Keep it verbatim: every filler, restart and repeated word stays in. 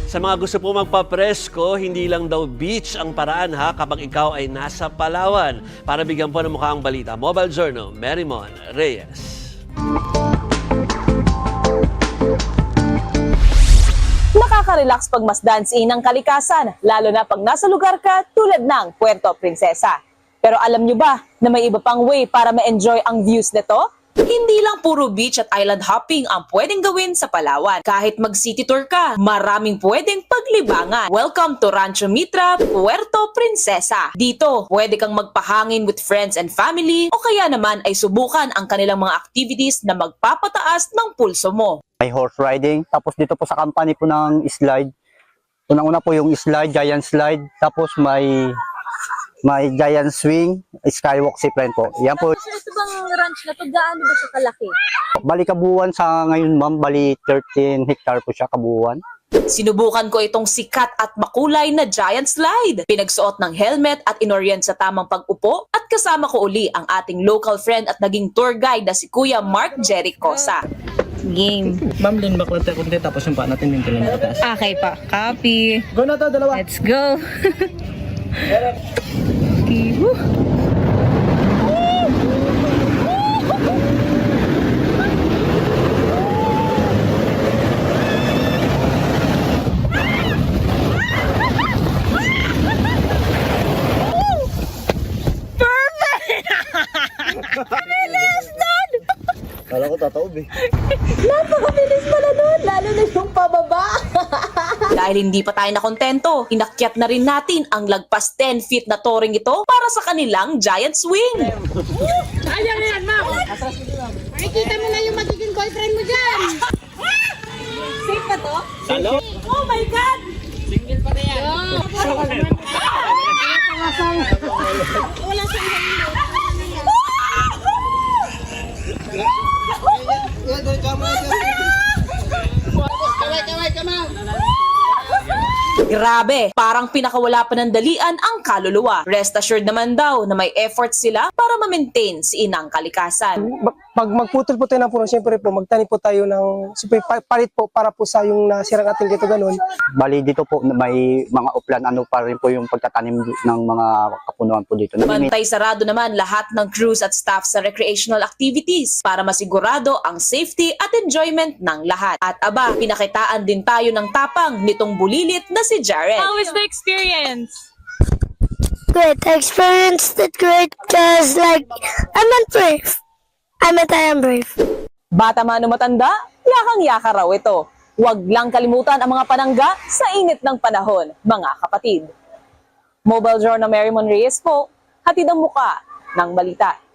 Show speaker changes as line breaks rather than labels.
Sa mga gusto po magpapresko, hindi lang daw beach ang paraan ha kapag ikaw ay nasa Palawan. Para bigyan po ng mukha ang balita, Mobile Journal, Merrimon Reyes.
Nakaka-relax pag mas dance-in ang kalikasan, lalo na pag nasa lugar ka tulad ng Puerto Princesa. Pero alam nyo ba na may iba pang way para ma-enjoy ang views nito? Hindi lang puro beach at island hopping ang pwedeng gawin sa Palawan. Kahit mag-city tour ka, maraming pwedeng paglibangan. Welcome to Rancho Mitra, Puerto Princesa. Dito, pwede kang magpahangin with friends and family o kaya naman ay subukan ang kanilang mga activities na magpapataas ng pulso mo.
May horse riding, tapos dito po sa company po ng slide. Unang-una po yung slide, giant slide, tapos may may giant swing, skywalk zipline po. Yan po.
Ito bang ranch na to, gaano ba siya kalaki?
Bali kabuuan sa ngayon ma'am, bali thirteen hectare po siya kabuuan.
Sinubukan ko itong sikat at makulay na giant slide. Pinagsuot ng helmet at inorient sa tamang pag-upo at kasama ko uli ang ating local friend at naging tour guide na si Kuya Mark Jericosa.
Game.
Ma'am, lean back lang tayo kunti tapos yung paa natin yung tuloy na pataas.
Okay pa. Copy.
Go na to, dalawa.
Let's go. Okay. Woo.
Kala ko tataob eh.
Napakabilis pala nun, lalo na yung pababa. Dahil hindi pa tayo nakontento, inakyat na rin natin ang lagpas ten feet na touring ito para sa kanilang giant swing.
Ayan yan, ma'am. Makikita mo na yung magiging boyfriend mo dyan.
Safe ba to?
Salo?
Oh my God!
Single pa na yan.
Wala sa ilang Kaway, kaway, kamaw.
Grabe, parang pinakawala pa ng dalian ang kaluluwa. Rest assured naman daw na may effort sila para ma-maintain si inang kalikasan.
Pag magputol po tayo ng puno, siyempre po, magtanim po tayo ng, siyempre, pa- palit po para po sa yung nasirang ating dito ganun.
Bali dito po may mga uplan, ano pa rin po yung pagtatanim ng mga kapunuan po dito. Namimit-
Bantay sarado naman lahat ng crews at staff sa recreational activities para masigurado ang safety at enjoyment ng lahat. At aba, pinakitaan din tayo ng tapang nitong bulilit na si Jared.
How was the experience?
Great. I experienced it great because, like, I'm not brave. I meant I am brave.
Bata man o matanda, yakang-yaka raw ito. Huwag lang kalimutan ang mga panangga sa init ng panahon, mga kapatid. Mobile Journal Merrimon Reyes po, hatid ang muka ng balita.